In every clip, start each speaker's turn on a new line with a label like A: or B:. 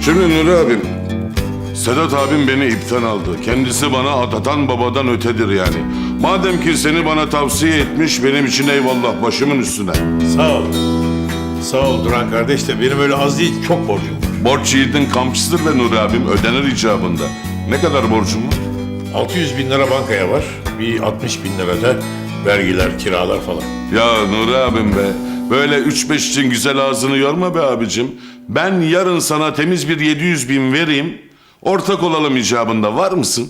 A: Şimdi Nuri abim, Sedat abim beni ipten aldı. Kendisi bana atatan babadan ötedir yani. Madem ki seni bana tavsiye etmiş, benim için eyvallah, başımın üstüne.
B: Sağ ol. Sağ ol Duran kardeş de benim öyle az değil çok borcum var.
A: Borç yiğidin kamçısıdır be Nuri abim, ödenir icabında. Ne kadar borcum var?
B: 600 bin lira bankaya var. Bir 60 bin lira da vergiler, kiralar falan.
A: Ya Nuri abim be, böyle 3-5 için güzel ağzını yorma be abicim. Ben yarın sana temiz bir 700 bin vereyim, ortak olalım icabında, var mısın?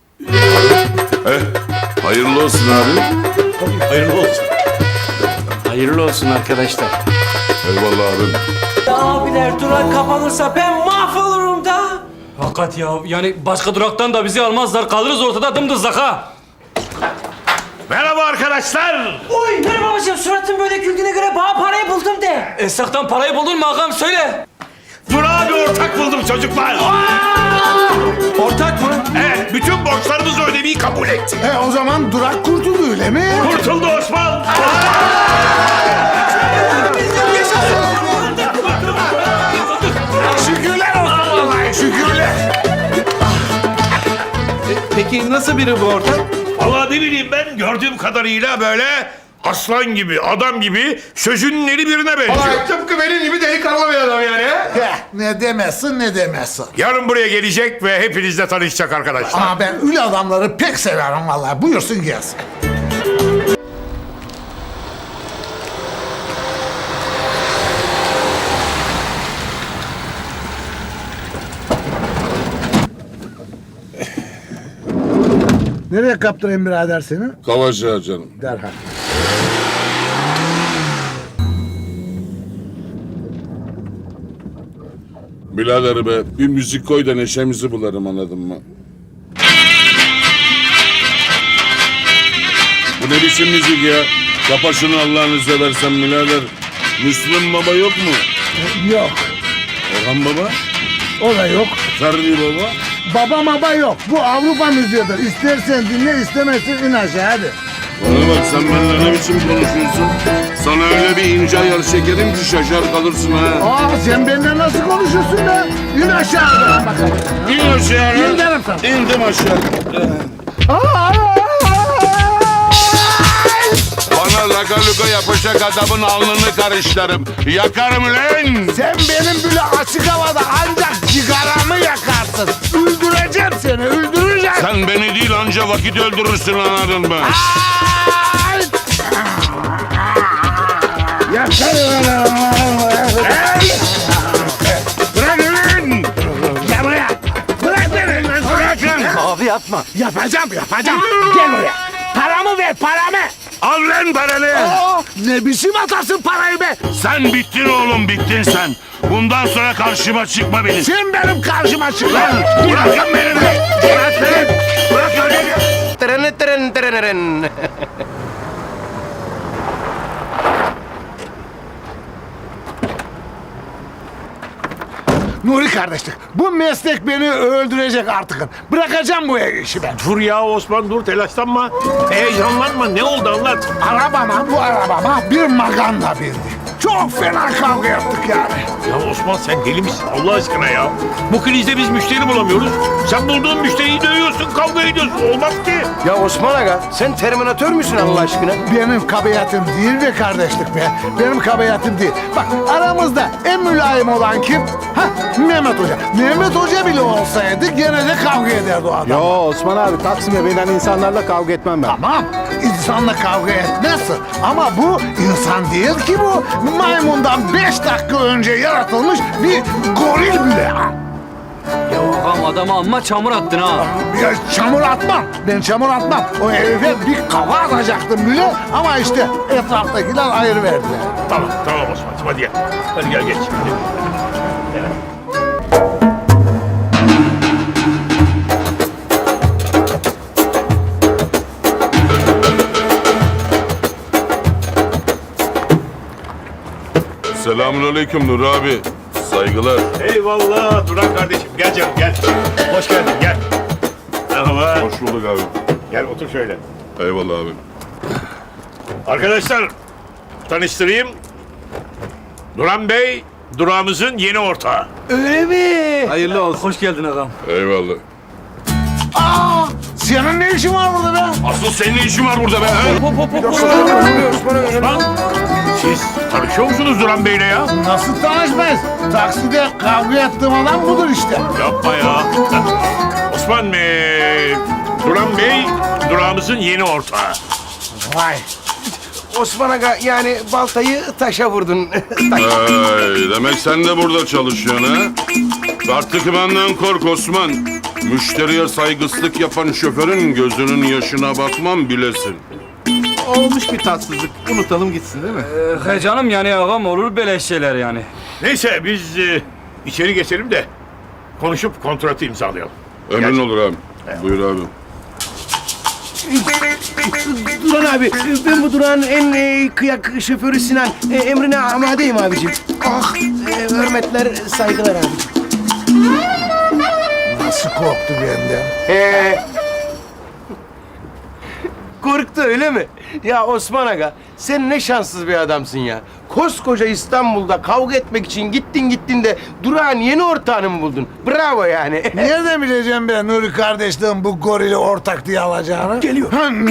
A: Hayırlı olsun abi.
B: Hayırlı olsun.
C: Hayırlı olsun arkadaşlar.
A: Eyvallah abim.
D: Abiler durak kapanırsa ben mahvolurum da.
C: Hakikat ya, yani başka duraktan da bizi almazlar, kalırız ortada dımdızlak ha.
B: Merhaba arkadaşlar.
D: Oy merhaba babacığım, suratın böyle güldüğüne göre bana parayı buldum de.
C: Esnaftan parayı buldun mu ağam, söyle.
B: Duran bir ortak buldum çocuklar.
C: Ortak mı?
B: Evet, bütün borçlarımızı ödemeyi kabul etti.
E: O zaman durak kurtuldu öyle mi?
B: Kurtuldu Osman.
E: Şükürler olsun vallahi şükürler.
C: Peki nasıl biri bu ortak?
B: Vallahi ne bileyim ben gördüğüm kadarıyla böyle aslan gibi, adam gibi sözünün eri birine benziyor.
E: Tıpkı benim gibi delikanlı bir adam yani. Ne demezsin ne demezsin.
B: Yarın buraya gelecek ve hepinizle tanışacak arkadaşlar.
E: Ama ben öyle adamları pek severim vallahi. Buyursun gelsin. Nereye kaptırayım birader seni?
A: Kavaca canım.
E: Derhal.
A: Birader be, bir müzik koy da neşemizi bularım, anladın mı? Bu ne biçim müzik ya? Kapa şunu Allah'ını seversen birader. Müslüm Baba yok mu?
E: Yok.
A: Orhan Baba?
E: O da yok.
A: Ferdi Baba?
E: Baba maba yok. Bu Avrupa müziğidir. İstersen dinle, istemezsen in aşağı hadi.
A: Bana bak, sen benimle ne biçim konuşuyorsun? Sana öyle bir ince ayar çekerim ki şaşar kalırsın ha.
E: Sen benimle nasıl konuşuyorsun be? İn aşağı bakalım.
A: İn aşağı.
E: İn derim sana.
A: İndim aşağı. Bana laka luka yapacak adamın alnını karışlarım. Yakarım lan.
E: Sen benim böyle açık havada ancak cigaramı yakarsın. Öldüreceğim seni, öldüreceğim.
A: Sen beni değil anca vakit öldürürsün, anladın mı?
E: Ay! Yakarım.
A: Bırak lan.
E: Gel buraya. Bırak beni. Bırak lan.
C: Abi yapma.
E: Yapacağım. Gel buraya. Paramı ver, paramı.
A: Al lan paranı.
E: Ne biçim atarsın parayı be?
A: Sen bittin oğlum, bittin sen. Bundan sonra karşıma çıkma benim.
E: Sen benim karşıma çık lan.
A: Bırakın beni be. Bırak lan. Bırak öyle.
E: Nuri kardeşlik, bu meslek beni öldürecek artık. Bırakacağım bu işi ben.
B: Dur ya Osman dur telaşlanma. Heyecanlanma ne oldu anlat.
E: Bu arabama bir maganda bindi. Çok fena kavga yaptık yani.
B: Ya Osman sen deli misin Allah aşkına ya? Bu krizde biz müşteri bulamıyoruz. Sen bulduğun müşteriyi dövüyorsun kavga ediyorsun olmaz ki.
F: Ya Osman Aga sen Terminator müsün Allah aşkına?
E: Benim kabahatim değil be kardeşlik be. Benim kabahatim değil. Bak aramızda en mülayim olan kim? Mehmet Hoca. Mehmet Hoca bile olsaydı gene de kavga ederdi o adam.
F: Yo Osman abi Taksim'e binen insanlarla kavga etmem ben.
E: Tamam, insanla kavga etmezsin. Ama bu insan değil ki bu. Maymundan 5 dakika önce yaratılmış bir goril bile.
C: Ya ağam adama amma çamur attın ha.
E: Ya çamur atmam. Ben çamur atmam. O herife bir kafa atacaktım bile. Ama işte etraftakiler ayır verdiler.
B: Tamam Osman'cığım hadi gel. Hadi gel geç.
A: Selamünaleyküm Nur abi. Saygılar.
B: Eyvallah Duran kardeşim gel canım gel. Hoş geldin gel. Merhaba.
A: Hoş bulduk abi.
B: Gel otur şöyle.
A: Eyvallah abi.
B: Arkadaşlar tanıştırayım. Duran Bey durağımızın yeni ortağı.
C: Öyle mi?
F: Hayırlı olsun.
C: Hoş geldin ağam.
A: Eyvallah.
E: Aa, senin ne işin var burada be?
B: Asıl senin ne işin var burada be? he? Osman, siz tanışıyor musunuz Duran Bey'le ya?
E: Nasıl tanışmayız? Takside kavga ettiğim adam budur işte.
B: Yapma ya. Osman Duran Bey, durağımızın yeni ortağı.
F: Vay. Osman Aga yani baltayı taşa vurdun.
A: Ay, demek sen de burada çalışıyorsun ha? Artık benden kork Osman. Müşteriye saygısızlık yapan şoförün gözünün yaşına bakmam bilesin.
F: Olmuş bir tatsızlık. Unutalım gitsin değil mi?
C: He canım yani ağam olur böyle şeyler yani.
B: Neyse biz içeri geçelim de konuşup kontratı imzalayalım.
A: Emin olur abi. Buyur abi.
F: Duran abi, ben bu durağın en kıyak şoförü Sinan. Emrine amadeyim abicim. Ah, hürmetler, saygılar abicim.
E: Nasıl korktu benden?
F: Korktu öyle mi? Ya Osman Aga, sen ne şanssız bir adamsın ya. Koskoca İstanbul'da kavga etmek için gittin de durağın yeni ortağını mı buldun? Bravo yani.
E: Nereden bileceğim ben Nuri kardeşliğin bu gorili ortak diye alacağını?
F: Geliyor.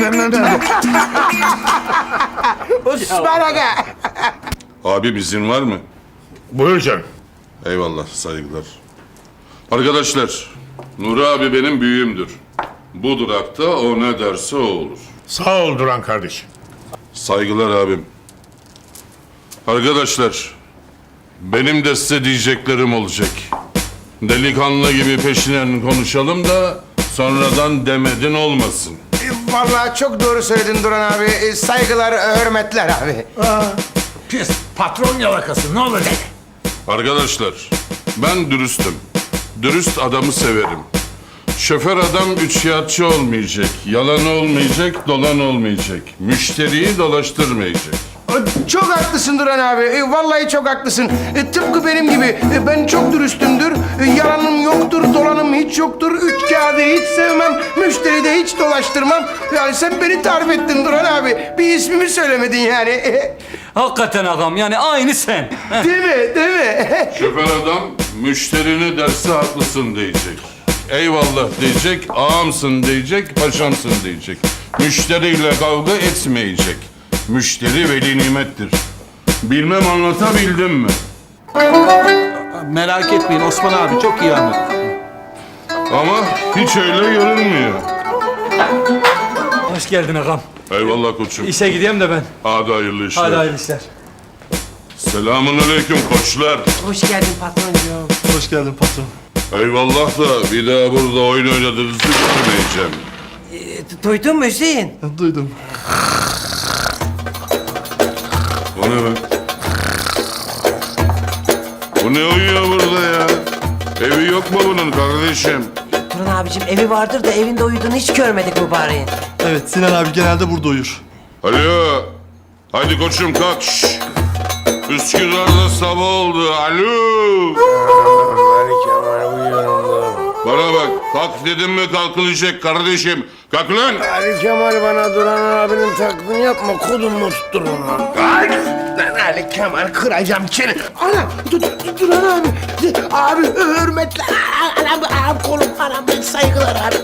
F: Osman Aga.
A: Abi izin var mı?
B: Buyur canım.
A: Eyvallah, saygılar. Arkadaşlar, Nuri abi benim büyüğümdür. Bu durakta o ne derse o olur.
B: Sağ ol Duran kardeşim.
A: Saygılar abim. Arkadaşlar, benim de size diyeceklerim olacak. Delikanlı gibi peşinen konuşalım da sonradan demedin olmasın.
F: Vallahi çok doğru söyledin Duran abi. Saygılar, hürmetler abi.
E: Pis patron yalakası ne olacak?
A: Arkadaşlar, ben dürüstüm. Dürüst adamı severim. Şoför adam üçkağıtçı olmayacak, yalan olmayacak, dolan olmayacak. Müşteriyi dolaştırmayacak.
F: Çok haklısın Duran abi. Vallahi çok haklısın. Tıpkı benim gibi. Ben çok dürüstümdür. Yalanım yoktur, dolanım hiç yoktur. Üç kağıdı hiç sevmem. Müşteri de hiç dolaştırmam. Yani sen beni tarif ettin Duran abi. Bir ismimi söylemedin yani.
C: Hakikaten ağam yani aynı sen.
F: Değil mi? Değil mi?
A: Şoför adam müşterini derse haklısın diyecek. Eyvallah diyecek, ağamsın diyecek, paşamsın diyecek. Müşteriyle kavga etmeyecek. Müşteri veli nimettir. Bilmem anlatabildim mi?
G: Merak etmeyin Osman abi çok iyi anladı.
A: Ama hiç öyle görünmüyor.
C: Hoş geldin ağam.
A: Eyvallah koçum.
C: İşe gideyim de ben.
A: Hadi hayırlı işler.
C: Hadi hayırlı işler.
A: Selamun aleyküm koçlar.
D: Hoş geldin patroncuğum.
G: Hoş geldin patron.
A: Eyvallah da bir daha burada oyun oynadığınızı görmeyeceğim.
D: Duydun mu Hüseyin?
G: Duydum.
A: O ne be? Bu ne uyuyor burada ya? Evi yok mu bunun kardeşim?
D: Turan abicim evi vardır da evinde uyuduğunu hiç görmedik mübareğin.
G: Evet Sinan abi genelde burada uyur.
A: Alo. Hadi koçum kalk. Şş. Üsküdar'da sabah oldu. Alo. Bana bak. Kalk dedim mi kalkılacak kardeşim. Kalk lan.
F: Ali Kemal bana Duran abinin taklidini yapma. Kolumu tutturun lan. Lan Ali Kemal kıracağım seni. Ana Duran abi. Abi hürmetler. Anam kolum anam saygılar abi.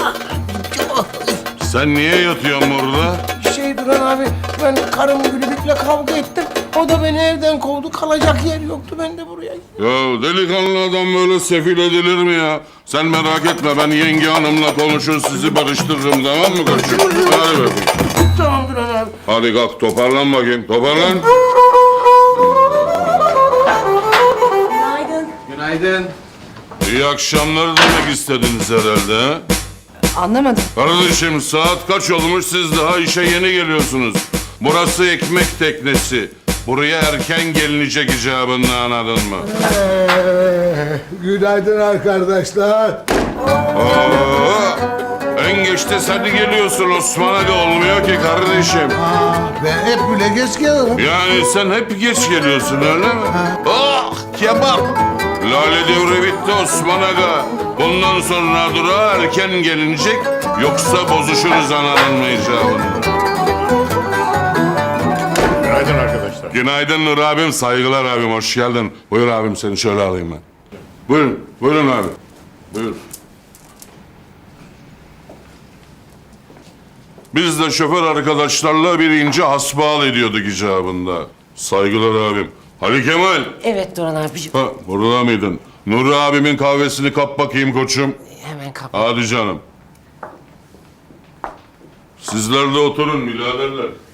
A: Sen niye yatıyorsun burada?
F: Duran abi ben karım Gülübük'le kavga ettim. O da beni evden kovdu. Kalacak yer yoktu. Ben de buraya gittim.
A: Ya delikanlı adam böyle sefil edilir mi ya? Sen merak etme ben yenge hanımla konuşur sizi barıştırırım tamam mı koçum? Hadi bakayım.
F: Tamam Duran abi.
A: Hadi kalk toparlan bakayım toparlan.
D: Günaydın.
G: Günaydın.
A: İyi akşamlar demek istediniz herhalde ha?
D: Anlamadım.
A: Kardeşim saat kaç olmuş siz daha işe yeni geliyorsunuz. Burası ekmek teknesi. Buraya erken gelinecek icabında anladın mı?
E: Günaydın arkadaşlar.
A: Aa, en geçte sen geliyorsun Osman Aga olmuyor ki kardeşim.
E: Ben hep bile geç gelirim.
A: Yani sen hep geç geliyorsun öyle mi? Ah kebap. Lale devri bitti Osman Aga. Bundan sonra durağa erken gelinecek yoksa bozuşuruz anladın mı icabında?
B: Günaydın arkadaşlar.
A: Günaydın Nur abim, saygılar abim, hoş geldin. Buyur abim seni şöyle alayım ben. Buyurun, buyurun abi. Buyur. Biz de şoför arkadaşlarla bir ince hasbihal ediyorduk icabında. Saygılar abim. Ali Kemal.
D: Evet Duran abicim.
A: Ha, burada mıydın? Nuri abimin kahvesini kap bakayım koçum.
D: Hemen kap.
A: Hadi canım. Sizler de oturun biraderler.